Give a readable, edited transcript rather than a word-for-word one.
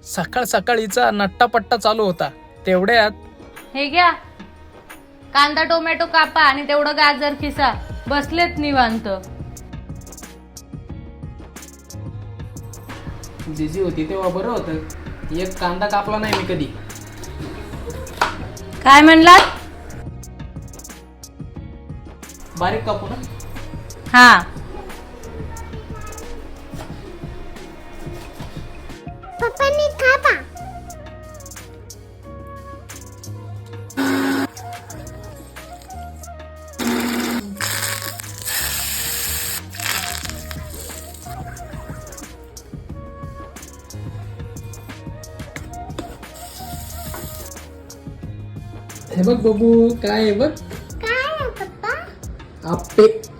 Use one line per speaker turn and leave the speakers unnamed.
सकाळ सकाळीचा नट्टापट्टा चालू होता तेवढ्यात
हे घ्या, कांदा टोमॅटो कापा आणि तेवढं गाजर खिसा. बसलेत निवांत.
जिजी होती तेव्हा बरं होतं, एक कांदा कापला नाही मी कधी.
काय म्हणलात?
बारीक कापू ना?
हा.
पप्पांनी कापा.
हे बघ बबू, काय आहे बघ,
काय आहे पप्पा?
आप्पे.